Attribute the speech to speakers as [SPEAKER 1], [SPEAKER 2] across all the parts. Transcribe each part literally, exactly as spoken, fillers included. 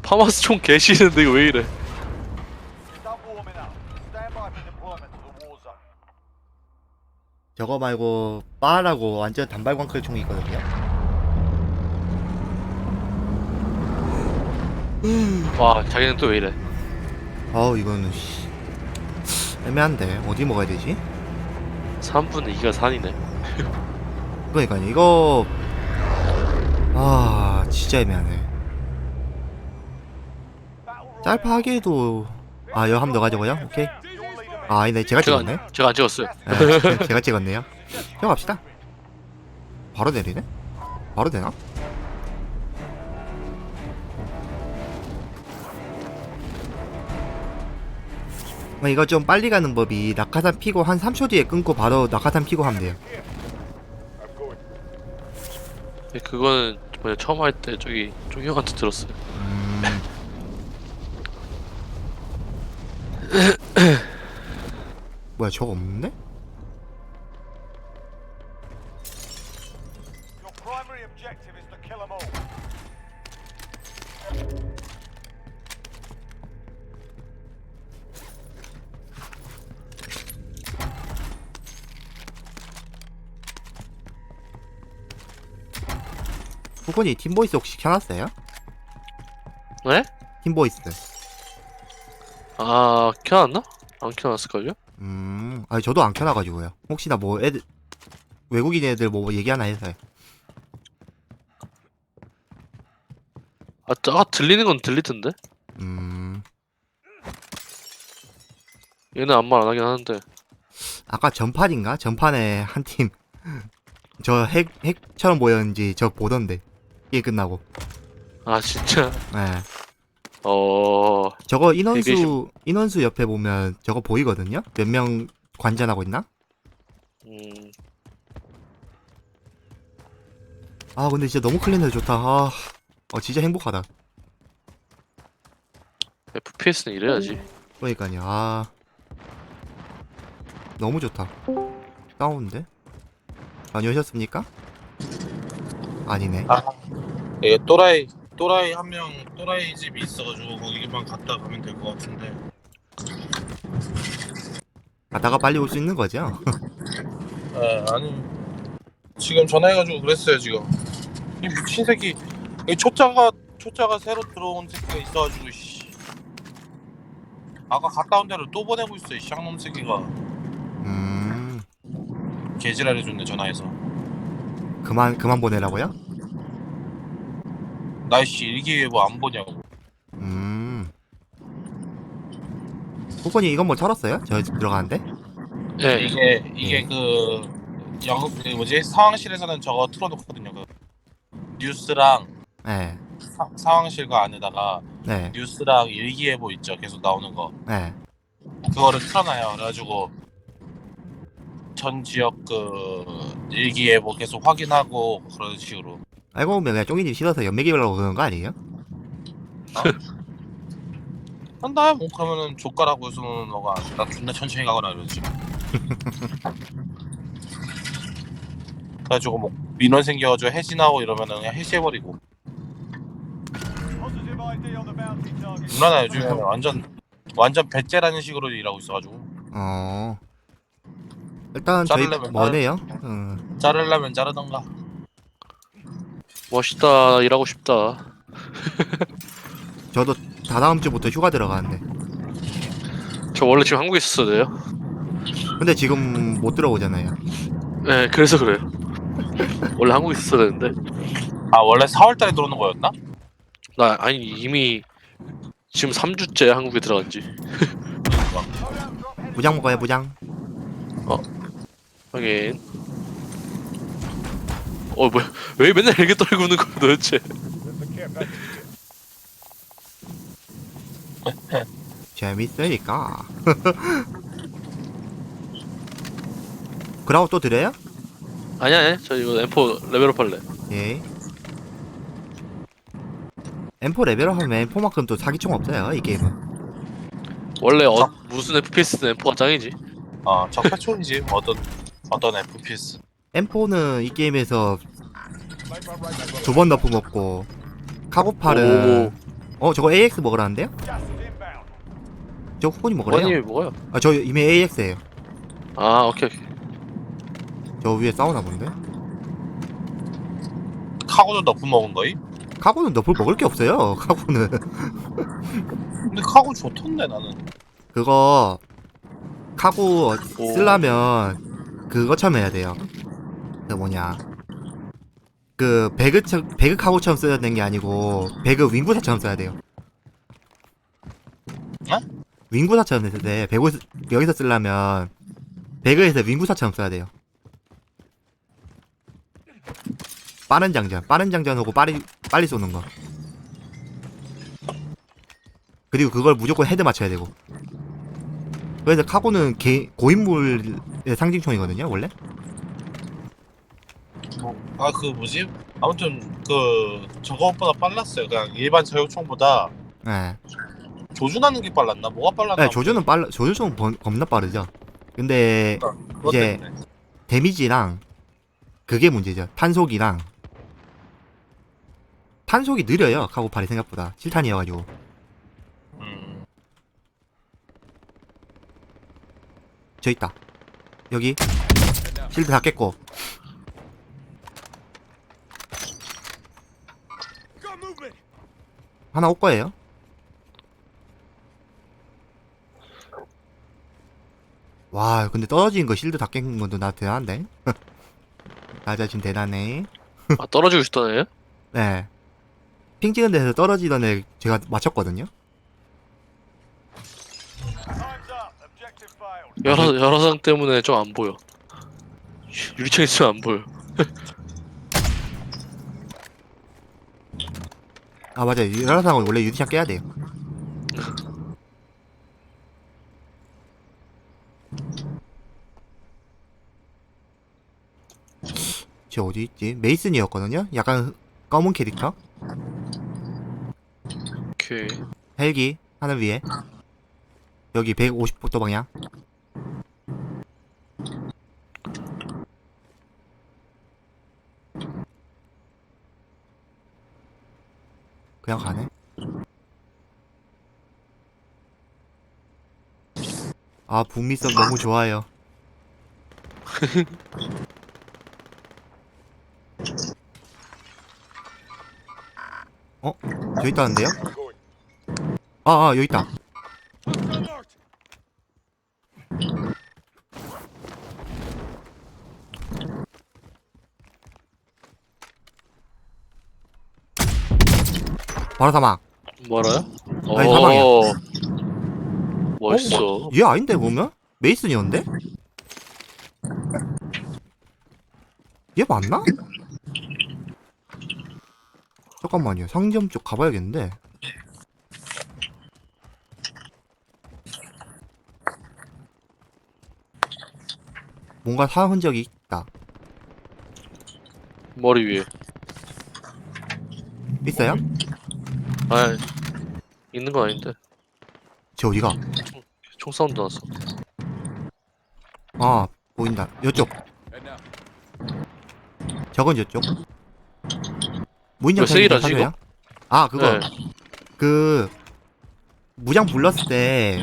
[SPEAKER 1] 파마스 총 개시는데 이거 왜 이래?
[SPEAKER 2] 저거 말고 빠라고 완전 단발광클 총이 있거든요.
[SPEAKER 1] 와 자기는 또 왜 이래?
[SPEAKER 2] 어우 이거는 씨. 애매한데 어디 먹어야 되지?
[SPEAKER 1] 삼분의 이가 산이네.
[SPEAKER 2] 그러니까요 이거 아 진짜 애매하네. 짤파 하기에도 아 여기 한번 더 가져고요? 오케이. 아 아니네 제가
[SPEAKER 1] 제가
[SPEAKER 2] 찍었네.
[SPEAKER 1] 안, 제가 안 찍었어요.
[SPEAKER 2] 네, 제가 찍었네요. 형 갑시다. 바로 내리네? 바로 되나? 아, 이거 좀 빨리 가는 법이 낙하산 피고 한 삼 초 뒤에 끊고 바로 낙하산 피고 하면 돼요.
[SPEAKER 1] 그거는 뭐냐 처음 할 때 저기 종 형한테 들었어요.
[SPEAKER 2] 음... 뭐야 저거 없는데? 후건이 팀보이스 혹시 켜놨어요?
[SPEAKER 1] 네?
[SPEAKER 2] 팀보이스.
[SPEAKER 1] 아 켜놨나? 안 켜놨을걸요?
[SPEAKER 2] 음, 아니 저도 안 켜놔가지고요. 혹시나 뭐 애들 외국인 애들 뭐 얘기하나 해서요.
[SPEAKER 1] 아, 아 들리는 건 들리던데?
[SPEAKER 2] 음,
[SPEAKER 1] 얘는 아무 말 안 하긴 하는데.
[SPEAKER 2] 아까 전판인가? 전판에 한 팀 저 핵 핵처럼 보였는지 저 보던데 이게 끝나고.
[SPEAKER 1] 아 진짜?
[SPEAKER 2] 네.
[SPEAKER 1] 어...
[SPEAKER 2] 저거 인원수
[SPEAKER 1] 대기실-
[SPEAKER 2] 인원수 옆에 보면 저거 보이거든요. 몇 명 관전하고 있나?
[SPEAKER 1] 음...
[SPEAKER 2] 아 근데 진짜 너무 클린해서 좋다. 아, 어 진짜 행복하다.
[SPEAKER 1] 에프피에스는 이래야지.
[SPEAKER 2] 그러니까요. 아, 너무 좋다. 다운데? 다녀오셨습니까? 아니네.
[SPEAKER 3] 아, 예, 또라이 또라이 한 명 또라이 집이 있어가지고 거기만 갔다 가면 될 것 같은데.
[SPEAKER 2] 가다가 빨리 올 수 있는 거죠?
[SPEAKER 3] 예, 아니 지금 전화해가지고 그랬어요 지금. 이 미친 새끼, 이 초짜가 초짜가 새로 들어온 새끼가 있어가지고 씨. 아까 갔다 온 데를 또 보내고 있어 이 쌍놈 새끼가.
[SPEAKER 2] 음,
[SPEAKER 3] 개지랄해줬네 전화해서.
[SPEAKER 2] 그만 그만 보내라고요?
[SPEAKER 3] 나이씨 일기예보 안 보냐고.
[SPEAKER 2] 음. 후건이 이건 뭐 털었어요? 저 집 들어가는데?
[SPEAKER 1] 예,
[SPEAKER 3] 이게 이게
[SPEAKER 2] 네.
[SPEAKER 3] 그 영국 그 뭐지 상황실에서는 저거 틀어놓거든요. 그 뉴스랑
[SPEAKER 2] 네,
[SPEAKER 3] 사, 상황실과 안에다가
[SPEAKER 2] 네,
[SPEAKER 3] 뉴스랑 일기예보 있죠 계속 나오는 거
[SPEAKER 2] 네.
[SPEAKER 3] 그거를 틀어놔요. 그래가지고 전 지역 그 일기예보 계속 확인하고 그런 식으로.
[SPEAKER 2] 알고 보면 그냥 쫑이님 싫어서 연맥이라고 그러는 거 아니에요?
[SPEAKER 3] 한다 뭐 그러면은 족가라고 해서는 너가 나 존나 천천히 가거나 이러지. 그래가지고 뭐 민원 생겨가지고 해지나고 이러면은 그냥 해지해버리고. 누나나 요즘에 완전 완전 배째라는 식으로 일하고 있어가지고
[SPEAKER 2] 어. 일단 저희
[SPEAKER 3] 자르려면
[SPEAKER 2] 뭐네요? 음.
[SPEAKER 3] 자르려면 자르던가.
[SPEAKER 1] 멋있다. 일하고 싶다.
[SPEAKER 2] 저도 다다음 주부터 휴가 들어가는데.
[SPEAKER 1] 저 원래 지금 한국에 있었어야 돼요.
[SPEAKER 2] 근데 지금 못 들어오잖아요.
[SPEAKER 1] 네, 그래서 그래요. 원래 한국에 있었어야 되는데.
[SPEAKER 3] 아 원래 사월달에 들어오는 거였나?
[SPEAKER 1] 나 아니 이미 지금 삼 주째 한국에 들어간지.
[SPEAKER 2] 무장 먹어요 무장.
[SPEAKER 1] 하긴. 어 뭐야? 왜 맨날 이렇게 떨구는 거야 도대체?
[SPEAKER 2] 재밌으니까. 그라우 또 드려요?
[SPEAKER 1] 아니야, 아니야. 저 이거 엠포 레벨업 할래.
[SPEAKER 2] 예. 엠포 레벨업 하면 엠포만큼 또 사기총 없어요 이 게임은.
[SPEAKER 1] 원래 어, 무슨 에프피에스는 엠포가 짱이지.
[SPEAKER 3] 어 적폐촌이지 어떤 어떤 에프피에스.
[SPEAKER 2] 엠포는 이 게임에서 두 번 너프 먹고 카고팔은 어 저거 에이엑스 먹으라는데요? 저 후보님 먹으래요?
[SPEAKER 1] 원님이 뭐가요?
[SPEAKER 2] 아 저 이미 에이엑스에요.
[SPEAKER 1] 아 오케이 오케이.
[SPEAKER 2] 저 위에 싸우나 본데?
[SPEAKER 3] 카고도 너프 먹은 거이?
[SPEAKER 2] 카고는 너볼 먹을 게 없어요. 카고는
[SPEAKER 3] 근데 카고 좋던데 나는.
[SPEAKER 2] 그거 카고
[SPEAKER 1] 오.
[SPEAKER 2] 쓰려면 그거처럼 해야 돼요. 그 뭐냐 그 배그 처, 배그 카고처럼 써야 되는 게 아니고 배그 윙구사처럼 써야 돼요.
[SPEAKER 3] 어?
[SPEAKER 2] 윙구사처럼 했을 때 배구 여기서 쓰려면 배그에서 윙구사처럼 써야 돼요. 빠른 장전, 빠른 장전하고 빨리 빨리 쏘는 거. 그리고 그걸 무조건 헤드 맞춰야 되고. 그래서 카고는 개, 고인물의 상징총이거든요, 원래.
[SPEAKER 3] 아 그 뭐지? 아무튼 그 저거보다 빨랐어요. 그냥 일반 저격총보다
[SPEAKER 2] 네.
[SPEAKER 3] 조준하는 게 빨랐나? 뭐가 빨랐나?
[SPEAKER 2] 네, 조준은 빨라, 조준총은 번- 겁나 빠르죠. 근데
[SPEAKER 3] 그것
[SPEAKER 2] 이제
[SPEAKER 3] 때문에.
[SPEAKER 2] 데미지랑 그게 문제죠. 탄속이랑 탄속이 느려요. 카고팔이 생각보다 칠 탄이어가지고.
[SPEAKER 3] 음.
[SPEAKER 2] 저 있다. 여기 실드 다 깼고. 하나 올 거예요. 와, 근데 떨어진 거 실드 다 깬 것도 나 대단한데. 나 자신 대단해.
[SPEAKER 1] 아 떨어지고 싶다네.
[SPEAKER 2] 네. 핑 찍은 데서 떨어지던 애 제가 맞췄거든요.
[SPEAKER 1] 여러 여러 상 때문에 좀 안 보여. 유리창 있으면 안 보여.
[SPEAKER 2] 아 맞아요. 유라상은 원래 유리창 깨야 돼요. 쟤 어디 있지? 메이슨이었거든요. 약간 검은 캐릭터.
[SPEAKER 1] 오케이.
[SPEAKER 2] 헬기 하늘 위에. 여기 백오십 도 방향. 그냥 가네. 아 북미성 너무 좋아요. 어? 여기 있다는데요? 아, 아 여기 있다. 바로 사막.
[SPEAKER 1] 뭐라요?
[SPEAKER 2] 아니, 사망이야.
[SPEAKER 1] 어. 멋있어.
[SPEAKER 2] 얘 아닌데 보면? 메이슨이었는데? 얘 맞나? 잠깐만요. 상점 쪽 가봐야겠는데. 뭔가 사 흔적이 있다.
[SPEAKER 1] 머리 위에.
[SPEAKER 2] 있어요?
[SPEAKER 1] 아 있는 건 아닌데.
[SPEAKER 2] 쟤 어디가?
[SPEAKER 1] 총 사운드 났어.
[SPEAKER 2] 아 보인다. 요쪽. 저건 저쪽. 무인정
[SPEAKER 1] 왜 세일하지,
[SPEAKER 2] 사줘요? 아 그거
[SPEAKER 1] 네.
[SPEAKER 2] 그 무장 불렀을 때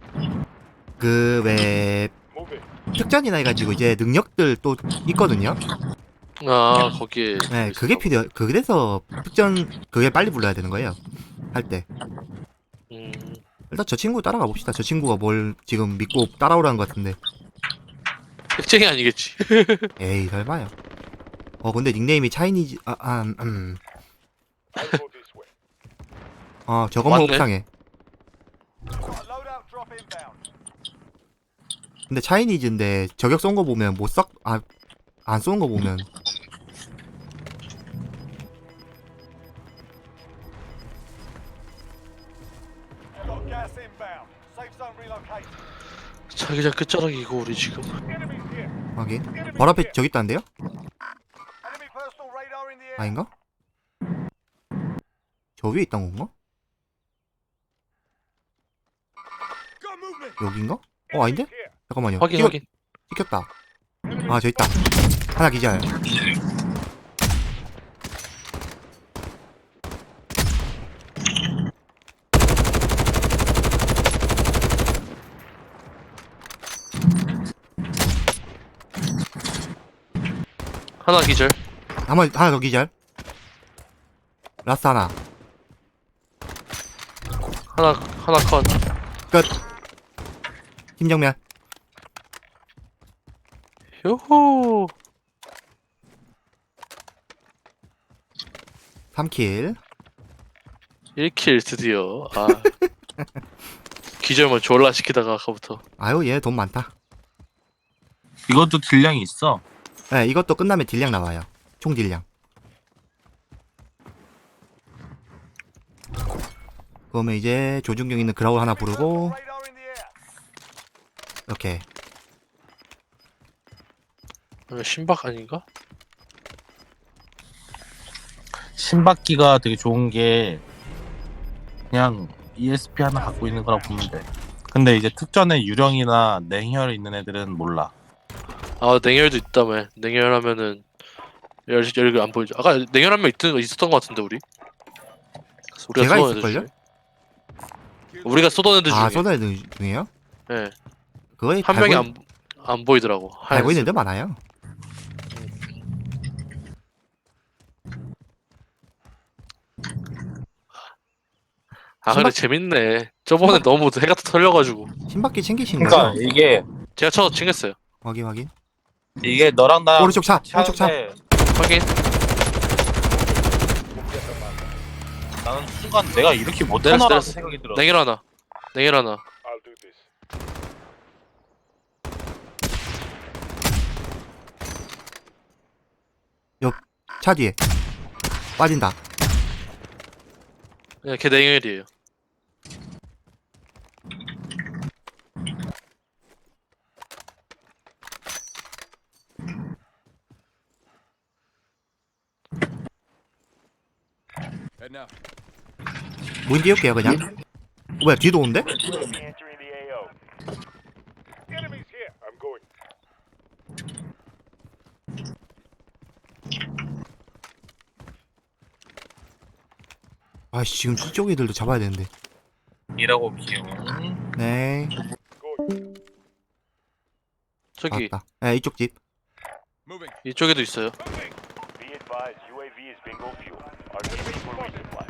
[SPEAKER 2] 그 왜 특전이나 해가지고 이제 능력들 또 있거든요.
[SPEAKER 1] 아 거기에.
[SPEAKER 2] 네, 그게 필요. 그래서 특전 그게 빨리 불러야 되는 거예요. 할 때.
[SPEAKER 1] 음.
[SPEAKER 2] 일단 저 친구 따라가 봅시다. 저 친구가 뭘 지금 믿고 따라오라는 것 같은데.
[SPEAKER 1] 핵쟁이 아니겠지.
[SPEAKER 2] 에이 설마요. 어 근데 닉네임이 차이니즈 아, 아 음. 어 저건 뭐
[SPEAKER 1] 맞네.
[SPEAKER 2] 옥상에. 근데 차이니즈인데 저격 쏜 거 보면 못 썩, 아, 안 쏘는 거 보면.
[SPEAKER 1] 자기장 끝자락이고 우리 지금.
[SPEAKER 2] 하긴. 바로 앞에 저기 있다는데요? 아닌가? 저 위에 있던 건가? 여긴가? 어 아닌데? 잠깐만요.
[SPEAKER 1] 확인
[SPEAKER 2] 찍어-
[SPEAKER 1] 확인.
[SPEAKER 2] 찍혔다. 아, 저 있다. 하나 기절.
[SPEAKER 1] 하나 기절.
[SPEAKER 2] 한번 하나 더 기절. 라스 하나.
[SPEAKER 1] 하나 하나 컷.
[SPEAKER 2] 팀정면.
[SPEAKER 1] 요호.
[SPEAKER 2] 삼 킬.
[SPEAKER 1] 일 킬 드디어. 아. 기절만 졸라 시키다가 아까부터.
[SPEAKER 2] 아유, 얘 돈 많다.
[SPEAKER 3] 이것도 딜량이 있어.
[SPEAKER 2] 네, 이것도 끝나면 딜량 나와요. 총 딜량. 그러면 이제 조준경 있는 그라울 하나 부르고 이렇게.
[SPEAKER 1] 어, 신박 아닌가?
[SPEAKER 3] 신박기가 되게 좋은 게 그냥 이에스피 하나 갖고 있는 거라 보면 돼. 근데 이제 특전에 유령이나 냉혈 있는 애들은 몰라.
[SPEAKER 1] 아 냉혈도 있다며. 냉혈하면은 열 열이 안 보이죠. 아까 냉혈 한 명 있던 거 있었던 거 같은데 우리. 우리가
[SPEAKER 2] 걔가
[SPEAKER 1] 쏘던 애들
[SPEAKER 2] 있을걸요?
[SPEAKER 1] 중에. 우리가 쏘던 애들 중에.
[SPEAKER 2] 아, 쏘다 애들 중에요?
[SPEAKER 1] 예.
[SPEAKER 2] 그거에
[SPEAKER 1] 한 명이 안 안 보이더라고.
[SPEAKER 2] 알고 있는 데 많아요.
[SPEAKER 1] 아 근데
[SPEAKER 2] 신박-
[SPEAKER 1] 재밌네. 저번에 너무 해가 털려가지고.
[SPEAKER 2] 신박기 챙기신
[SPEAKER 3] 그러니까
[SPEAKER 2] 거죠?
[SPEAKER 3] 이게
[SPEAKER 1] 제가 저 챙겼어요.
[SPEAKER 2] 확인 확인.
[SPEAKER 3] 이게 너랑 나랑
[SPEAKER 2] 오른쪽 차,
[SPEAKER 3] 같이
[SPEAKER 2] 오른쪽 차.
[SPEAKER 3] 하는데
[SPEAKER 1] 확인.
[SPEAKER 3] 나는 순간 내가 이렇게
[SPEAKER 1] 내렸어,
[SPEAKER 3] 못하나라는
[SPEAKER 1] 내렸어.
[SPEAKER 3] 생각이 들어.
[SPEAKER 1] 냉혈 하나. 냉혈 하나.
[SPEAKER 2] 차 뒤에. 빠진다.
[SPEAKER 1] 네, 걔 냉혈이에요.
[SPEAKER 2] 문 띄울게요 그냥. 뭐야 뒤도 온대?
[SPEAKER 4] Entering the A O. Enemies here. I'm going.
[SPEAKER 2] 아씨 지금 저쪽 애들도 잡아야 되는데.
[SPEAKER 3] 이라고 기용.
[SPEAKER 2] 네.
[SPEAKER 1] 저기
[SPEAKER 2] 맞다. 네 이쪽 집.
[SPEAKER 1] 이쪽에도 있어요.
[SPEAKER 4] Be advised, U A V is bingo fuel. R T B for resupply.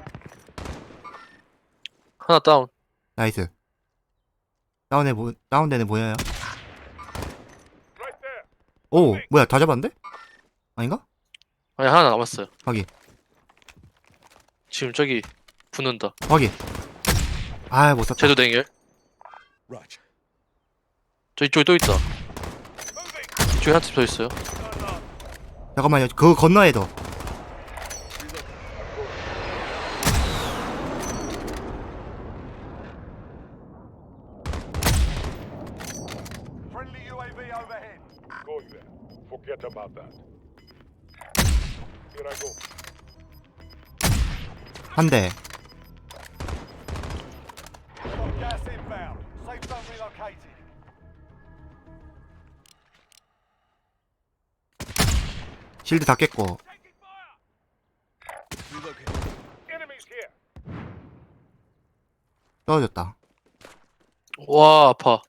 [SPEAKER 1] 하나 다운.
[SPEAKER 2] 나이스. 다운에 보 다운되네 보여요.
[SPEAKER 4] Right there.
[SPEAKER 2] 오 뭐야 다 잡았는데? 아닌가?
[SPEAKER 1] 아니 하나 남았어요.
[SPEAKER 2] 확인.
[SPEAKER 1] 지금 저기 붙는다.
[SPEAKER 2] 확인. 아 못 썼다.
[SPEAKER 1] 쟤도 냉혈. 저 이쪽에 또 있다. 이쪽에 한 팀 더 있어요.
[SPEAKER 2] 잠깐만요. 그거 건너에 더.
[SPEAKER 4] Friendly U A V overhead. Going there. Forget about that. Here I go.
[SPEAKER 2] 한 대.
[SPEAKER 4] Got gas inbound. Safe zone relocated.
[SPEAKER 2] 실드 다 깼고.
[SPEAKER 4] Enemies here.
[SPEAKER 2] 떨어졌다.
[SPEAKER 1] 와 아파.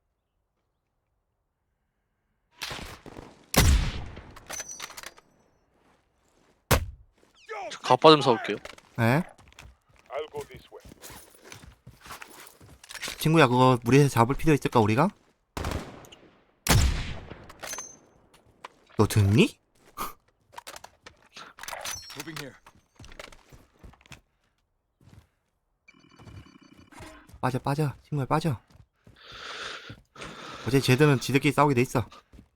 [SPEAKER 1] 갑바 좀 사올게요.
[SPEAKER 2] 네.
[SPEAKER 4] I'll go this way.
[SPEAKER 2] 친구야 그거 무리해서 잡을 필요 있을까 우리가? 너 듣니? 빠져 빠져 친구야 빠져. 어제 쟤들은 지들끼리 싸우게 돼 있어.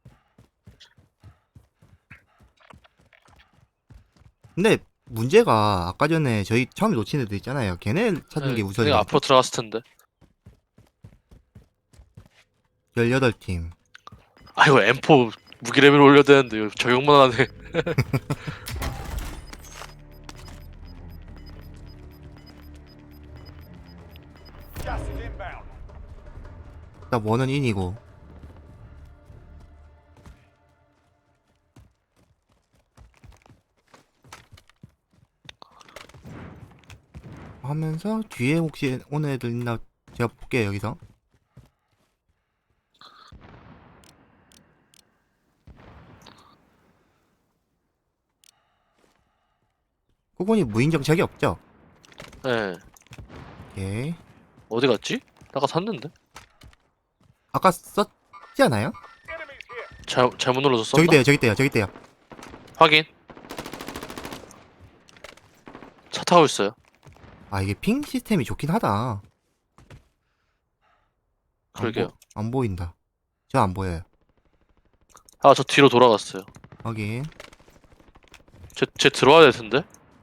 [SPEAKER 2] 근데 문제가 아까 전에 저희 처음에 놓친 애들 있잖아요. 걔네 찾는 게 우선이야.
[SPEAKER 1] 내가 앞으로 들어갔을 텐데.
[SPEAKER 2] 열여덟 팀.
[SPEAKER 1] 아 이거 엠포 무기 레벨 올려야 되는데 이거 적용만 하네.
[SPEAKER 4] Gas is inbound.
[SPEAKER 2] 일단 원은 인이고. 하면서 뒤에 혹시 오는 애들 있나 제가 볼게요 여기서. 꾸군이 무인정착이 없죠?
[SPEAKER 1] 예.
[SPEAKER 2] 오케이.
[SPEAKER 1] 어디 갔지? 아까 샀는데?
[SPEAKER 2] 아까 썼지 않아요?
[SPEAKER 1] 잘, 잘못 눌러서 썼나?
[SPEAKER 2] 저기 있대요, 저기 있대요, 저기 있대요.
[SPEAKER 1] 확인. 차 타고 있어요.
[SPEAKER 2] 아, 이게 핑 시스템이 좋긴 하다. 안
[SPEAKER 1] 그러게요.
[SPEAKER 2] 보- 안 보인다. 저 안 보여요.
[SPEAKER 1] 아, 저 뒤로 돌아갔어요.
[SPEAKER 2] 확인.
[SPEAKER 1] 쟤, 쟤 들어와야 될 텐데?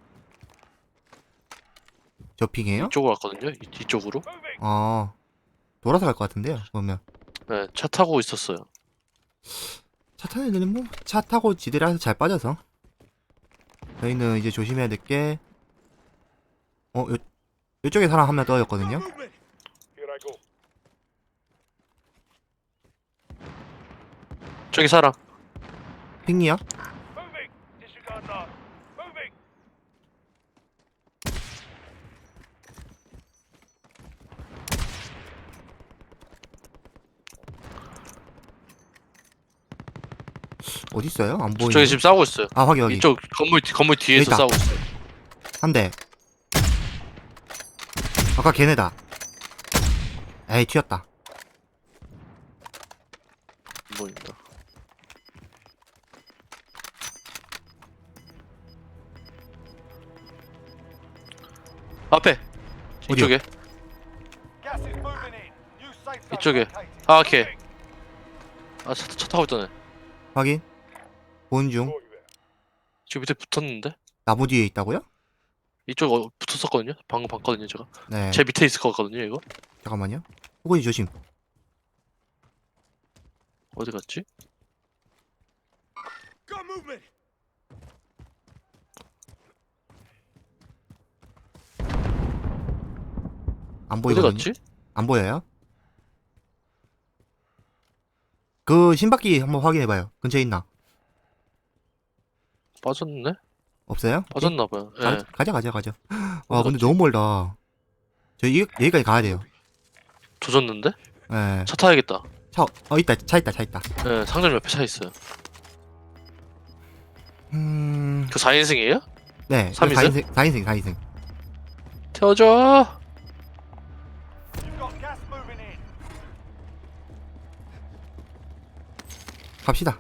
[SPEAKER 2] 저 핑이에요?
[SPEAKER 1] 이쪽으로 갔거든요? 이, 이쪽으로?
[SPEAKER 2] 아, 돌아서 갈 것 같은데요, 그러면.
[SPEAKER 1] 네, 차 타고 있었어요.
[SPEAKER 2] 차 타는 애들은 뭐, 차 타고 지들이라서 잘 빠져서. 저희는 이제 조심해야 될 게, 어, 요, 요쪽에 사람 한 명 떠였거든요?
[SPEAKER 1] 저기 사람.
[SPEAKER 2] 핑이요? 어딨어요? 안 보이네.
[SPEAKER 1] 저기 지금 싸우고 있어요.
[SPEAKER 2] 아, 확인, 확인.
[SPEAKER 1] 이쪽 건물, 뒤- 건물 뒤에서
[SPEAKER 2] 있다.
[SPEAKER 1] 싸우고 있어요.
[SPEAKER 2] 한 대. 아까 걔네다. 에이, 튀었다.
[SPEAKER 1] 안 보인다. 앞에!
[SPEAKER 2] 어디요?
[SPEAKER 1] 이쪽에. 이쪽에. 아, 오케이. 아, 차, 차 타고 있다네.
[SPEAKER 2] 확인. 보는 중.
[SPEAKER 1] 지금 밑에 붙었는데?
[SPEAKER 2] 나무 뒤에 있다고요?
[SPEAKER 1] 이쪽 어, 붙었었거든요? 방금 봤거든요, 제가.
[SPEAKER 2] 네.
[SPEAKER 1] 제 밑에 있을 것 같거든요, 이거?
[SPEAKER 2] 잠깐만요. 호건이 조심.
[SPEAKER 1] 어디 갔지?
[SPEAKER 2] 안
[SPEAKER 1] 어디
[SPEAKER 2] 보이거든요.
[SPEAKER 1] 갔지?
[SPEAKER 2] 안 보여요? 그 신바퀴 한번 확인해봐요. 근처에 있나?
[SPEAKER 1] 빠졌네?
[SPEAKER 2] 없어요?
[SPEAKER 1] 빠졌나봐요. 예.
[SPEAKER 2] 가, 가자 가자 가자. 와
[SPEAKER 1] 어디
[SPEAKER 2] 근데
[SPEAKER 1] 갔지?
[SPEAKER 2] 너무 멀다. 저 이, 여기까지 가야 돼요.
[SPEAKER 1] 조졌는데?
[SPEAKER 2] 예.
[SPEAKER 1] 차 타야겠다.
[SPEAKER 2] 차, 어 있다. 차 있다. 차 있다.
[SPEAKER 1] 예, 상점 옆에 차 있어요.
[SPEAKER 2] 음.
[SPEAKER 1] 그 사 인승이에요?
[SPEAKER 2] 네.
[SPEAKER 1] 삼 인승?
[SPEAKER 2] 사 인승 사 인승 사 인승.
[SPEAKER 1] 태워줘!
[SPEAKER 2] 갑시다.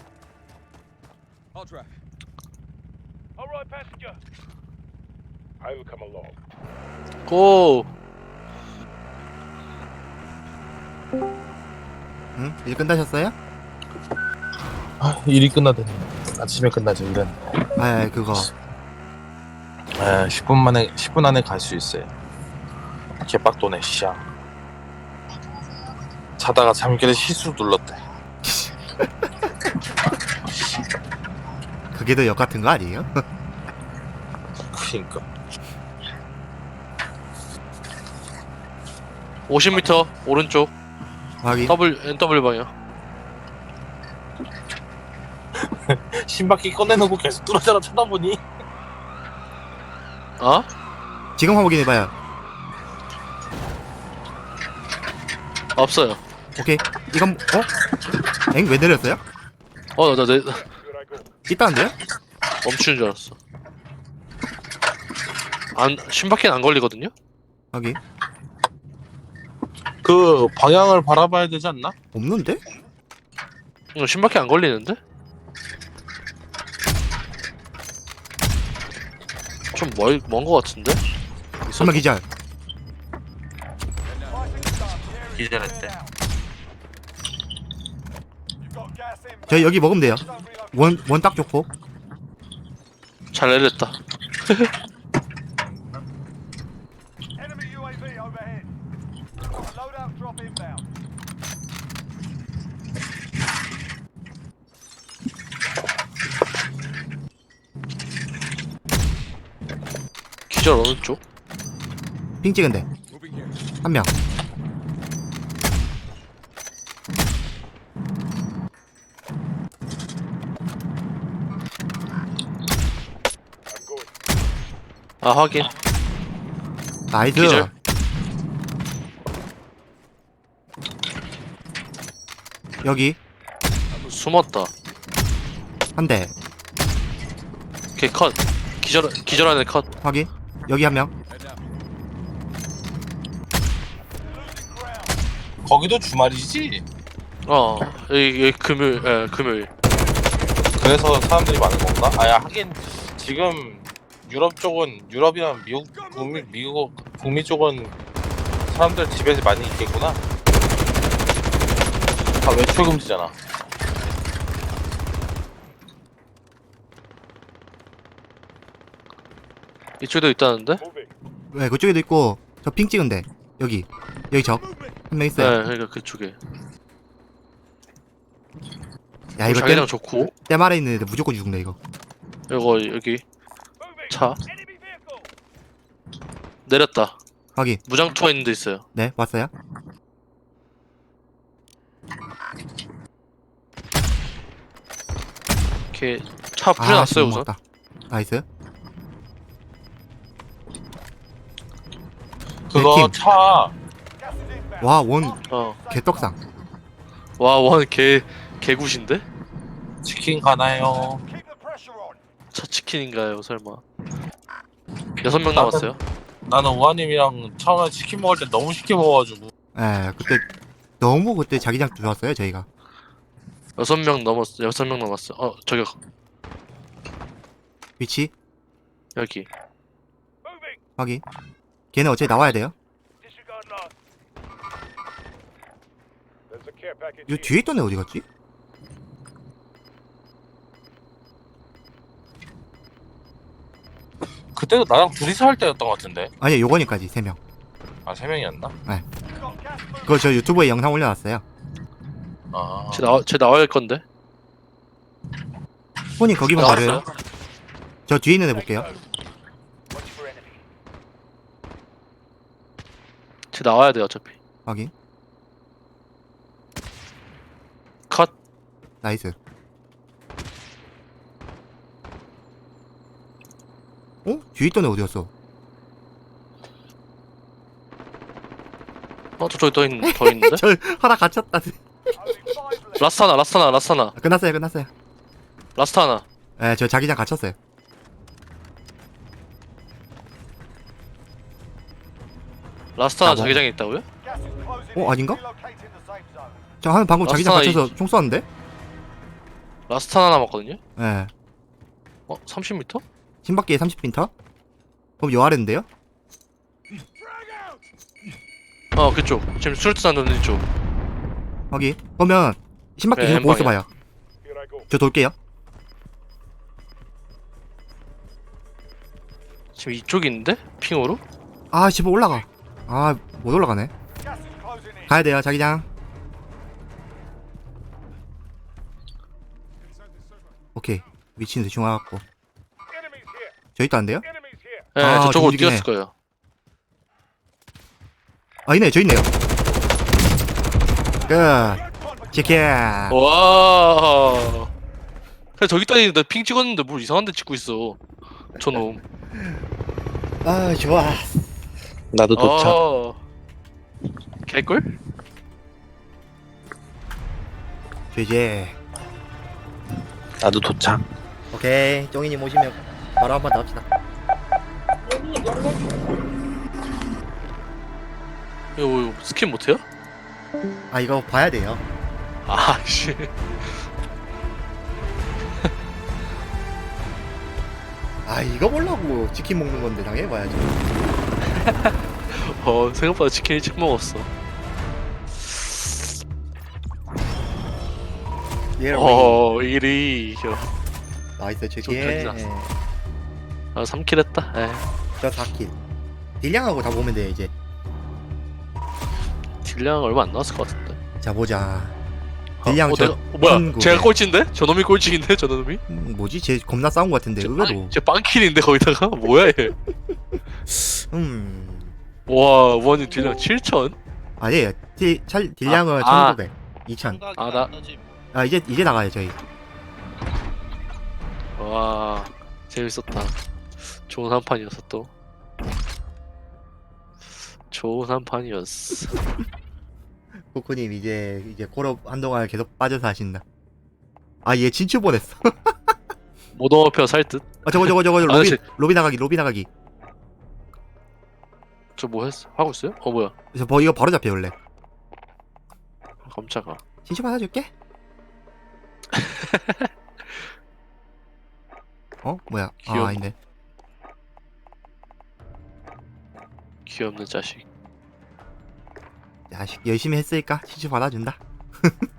[SPEAKER 4] Alright, passenger. I will come along.
[SPEAKER 1] 고!
[SPEAKER 2] 응? 일 끝나셨어요?
[SPEAKER 3] 아, 일이 끝나더니 아침에 끝나죠 일은.
[SPEAKER 2] 아 그거.
[SPEAKER 3] 아, 십 분 만에 십 분 안에 갈 수 있어요. 개빡도네 씨야. 자다가 잠결에 실수로 눌렀대.
[SPEAKER 2] 그게 더 역 같은 거 아니에요?
[SPEAKER 3] 그니까.
[SPEAKER 1] 오십 미터 오른쪽
[SPEAKER 2] 확인.
[SPEAKER 1] W 엔더블유 방향.
[SPEAKER 3] 신바퀴 꺼내놓고 계속 뚫어져라 쳐다보니.
[SPEAKER 1] 어?
[SPEAKER 2] 지금 확인해봐요.
[SPEAKER 1] 없어요.
[SPEAKER 2] 오케이. 이건 어? 엥? 왜 내렸어요?
[SPEAKER 1] 어, 나, 내,
[SPEAKER 4] Good I go.
[SPEAKER 2] 있다는데요?
[SPEAKER 1] 멈추는 줄 알았어. 안, 심박해는 안 걸리거든요?
[SPEAKER 2] 확인.
[SPEAKER 3] 그 방향을 바라봐야 되지 않나?
[SPEAKER 2] 없는데?
[SPEAKER 1] 이거 심박해 안 걸리는데? 좀 멀, 먼 거 같은데? 있어?
[SPEAKER 2] 한명 기절.
[SPEAKER 3] 기절했대.
[SPEAKER 2] 저희 여기 먹으면 돼요. 원 원 딱 좋고.
[SPEAKER 1] 잘 내렸다.
[SPEAKER 4] Enemy U A V overhead. Loadout drop inbound.
[SPEAKER 1] 기절 어느 쪽?
[SPEAKER 2] 핑 찍은데. 한 명.
[SPEAKER 4] I'm going.
[SPEAKER 1] 아, 확인.
[SPEAKER 2] 나이스.
[SPEAKER 1] 기절.
[SPEAKER 2] 여기
[SPEAKER 1] 숨었다.
[SPEAKER 2] 한 대.
[SPEAKER 1] 걔 컷. 기절 기절하는 컷.
[SPEAKER 2] 확인. 여기 한 명.
[SPEAKER 4] Losing ground.
[SPEAKER 3] 거기도 주말이지?
[SPEAKER 1] 어 여기, 여기 금요일 예 금요일.
[SPEAKER 3] 그래서 사람들이 많은 건가? 아야 하긴 지금 유럽 쪽은 유럽이나 미국 북미 미국 북미 쪽은 사람들 집에서 많이 있겠구나. 다 외출 금지잖아.
[SPEAKER 1] 이쪽에도 있다는데?
[SPEAKER 4] Moving.
[SPEAKER 2] 네, 그쪽에도 있고 저 핑 찍은데 여기 여기 적 한 명
[SPEAKER 1] 네,
[SPEAKER 2] 있어요.
[SPEAKER 1] 그러니까 그쪽에.
[SPEAKER 2] 야 이거
[SPEAKER 1] 자기장
[SPEAKER 2] 땜,
[SPEAKER 1] 좋고.
[SPEAKER 2] 땜 아래 있는 애들 무조건 죽네 이거.
[SPEAKER 1] 이거 여기
[SPEAKER 4] Moving.
[SPEAKER 1] 차
[SPEAKER 4] Enemy vehicle.
[SPEAKER 1] 내렸다.
[SPEAKER 2] 확인.
[SPEAKER 1] 무장투가 있는 데 있어요.
[SPEAKER 2] 네, 왔어요.
[SPEAKER 1] 이렇게 차 뿌려놨어요
[SPEAKER 2] 못
[SPEAKER 1] 우선.
[SPEAKER 2] 먹었다. 나이스.
[SPEAKER 3] 그거
[SPEAKER 2] 팀.
[SPEAKER 3] 차
[SPEAKER 4] Gas is inbound.
[SPEAKER 2] 와, 원
[SPEAKER 1] 어.
[SPEAKER 2] 개떡상.
[SPEAKER 1] 와, 원 개 개굿인데?
[SPEAKER 3] 치킨 가나요?
[SPEAKER 4] Keep the pressure on.
[SPEAKER 1] 차 치킨인가요, 설마? 여섯 명 남았어요.
[SPEAKER 3] 나는 우아님이랑 처음에 치킨 먹을 때 너무 쉽게 먹어가지고
[SPEAKER 2] 예, 그때 너무 그때 자기장 좋았어요 저희가.
[SPEAKER 1] 여섯 명 넘었어. 여섯 명 남았어. 어, 저기
[SPEAKER 2] 위치
[SPEAKER 1] 여기.
[SPEAKER 4] Moving.
[SPEAKER 2] 확인. 걔는 어차피 나와야 돼요.
[SPEAKER 4] Disregard last. There's a care package.
[SPEAKER 2] 이 뒤에 있던 애 어디 갔지?
[SPEAKER 3] 그때도 나랑 둘이서 할 때였던 것 같은데.
[SPEAKER 2] 아니, 요거니까지 세 명.
[SPEAKER 3] 아 세 명이었나?
[SPEAKER 4] Got gas moving.
[SPEAKER 2] 그거 저 유튜브에 영상 올려놨어요.
[SPEAKER 3] 아
[SPEAKER 1] 쟤 나와 쟤 나와야 할 건데.
[SPEAKER 2] 손이 거기만
[SPEAKER 1] 나왔어요?
[SPEAKER 2] 가려요. 저 뒤에 있는 애 볼게요.
[SPEAKER 4] Watch for enemy.
[SPEAKER 1] 쟤 나와야 돼 어차피.
[SPEAKER 2] 확인.
[SPEAKER 1] 컷.
[SPEAKER 2] 나이스. 어? 뒤에 있던 애 어디였어?
[SPEAKER 1] 어, 저쪽에 더, 있, 더 있는데?
[SPEAKER 2] 저 하나 갇혔다.
[SPEAKER 4] Only five left.
[SPEAKER 1] 라스타나, 라스타나, 라스타나,
[SPEAKER 2] 아, 끝났어요, 끝났어요.
[SPEAKER 1] 라스타나.
[SPEAKER 2] 예, 저 자기장 갇혔어요.
[SPEAKER 1] 라스타나
[SPEAKER 2] 아, 뭐.
[SPEAKER 1] 자기장에 있다고요?
[SPEAKER 4] Gas is closing
[SPEAKER 2] 어,
[SPEAKER 4] in.
[SPEAKER 2] 아닌가?
[SPEAKER 4] Relocating the safe zone.
[SPEAKER 2] 저 한 방금 자기장
[SPEAKER 1] 라스타나
[SPEAKER 2] 갇혀서 총 쏘았는데?
[SPEAKER 1] 라스타나 남았거든요?
[SPEAKER 2] 예.
[SPEAKER 1] 어, 삼십 미터?
[SPEAKER 2] 신밖에 삼십 미터? 그럼 요 아래인데요?
[SPEAKER 1] 어, 그쪽. 지금 수류탄 넣는 쪽.
[SPEAKER 2] 확인. 그러면 신밖에
[SPEAKER 1] 네,
[SPEAKER 2] 계속 보고
[SPEAKER 1] 햄방이야.
[SPEAKER 2] 있어봐요.
[SPEAKER 4] Here I go.
[SPEAKER 2] 저 돌게요.
[SPEAKER 1] 지금 이쪽이 있는데? 핑으로?
[SPEAKER 2] 아, 씨발 올라가. 아, 못 올라가네.
[SPEAKER 4] Gas is closing in.
[SPEAKER 2] 가야 돼요, 자기장. 오케이. 위치는 대충 와갖고.
[SPEAKER 4] Enemies here.
[SPEAKER 2] 저 있다는데요?
[SPEAKER 4] Enemies here.
[SPEAKER 1] 네,
[SPEAKER 2] 아,
[SPEAKER 1] 저쪽으로
[SPEAKER 2] 움직이네.
[SPEAKER 1] 뛰었을 거예요.
[SPEAKER 2] 아, 있네, 저 있네요. 끝. 치킨.
[SPEAKER 1] 와. 그냥 저기 있다니 나핑 찍었는데 뭘 이상한 데 찍고 있어. 저놈.
[SPEAKER 2] 아, 좋아.
[SPEAKER 3] 나도
[SPEAKER 1] 아. 개꿀?
[SPEAKER 2] 이제
[SPEAKER 3] 나도 도착.
[SPEAKER 2] 오케이. 쫑이님 오시면 바로 한번 더 합시다.
[SPEAKER 1] 이거 뭐 스킨 못해요?
[SPEAKER 2] 아, 이거 봐야 돼요.
[SPEAKER 1] 아, 씨.
[SPEAKER 2] 아, 이거 보려고 치킨 먹는 건데 당해봐야죠.
[SPEAKER 1] 어, 생각보다 치킨 일찍 먹었어.
[SPEAKER 2] 예,
[SPEAKER 1] 어, 이리.
[SPEAKER 2] 나이스 치킨.
[SPEAKER 1] 좀 편히 났어. 아, 삼 킬 했다. 에.
[SPEAKER 2] 저 사 킬. 딜량하고 다 보면 돼 이제.
[SPEAKER 1] 딜량 얼마 안 나왔을 것 같은데.
[SPEAKER 2] 자 보자.
[SPEAKER 1] 어,
[SPEAKER 2] 딜량
[SPEAKER 1] 어,
[SPEAKER 2] 저
[SPEAKER 1] 내가, 어, 뭐야?
[SPEAKER 2] 천구백.
[SPEAKER 1] 제가 꼴찌인데? 저놈이 꼴찌인데? 저놈이?
[SPEAKER 2] 음, 뭐지? 쟤 겁나 싸운 것 같은데 의외로.
[SPEAKER 1] 제 빵킬인데 거기다가? 뭐야 얘?
[SPEAKER 2] 음.
[SPEAKER 1] 와, 원이 딜량 칠천?
[SPEAKER 2] 아니, 딜 찰 딜량은
[SPEAKER 1] 아, 아.
[SPEAKER 2] 천구백, 이천.
[SPEAKER 1] 아, 나-
[SPEAKER 2] 아 이제 이제 나가요 저희.
[SPEAKER 1] 와, 재밌었다. 좋은 한 판이었어 또. 좋은 한 판이었어.
[SPEAKER 2] 코코님 이제 이제 콜업 한동안 계속 빠져서 하신다. 아 얘 진출 보냈어.
[SPEAKER 1] 모던 워페어 살 듯?
[SPEAKER 2] 아 저거 저거 저거 로비
[SPEAKER 1] 아저씨.
[SPEAKER 2] 로비 나가기 로비 나가기.
[SPEAKER 1] 저 뭐 했어? 하고 있어요? 어 뭐야?
[SPEAKER 2] 그래서 뭐 이거 바로 잡혀 원래.
[SPEAKER 1] 깜짝아.
[SPEAKER 2] 신시 받아줄게. 어 뭐야? 아
[SPEAKER 1] 귀여워.
[SPEAKER 2] 아닌데.
[SPEAKER 1] 귀엽는 자식.
[SPEAKER 2] 야식 열심히 했으니까 신시 받아준다.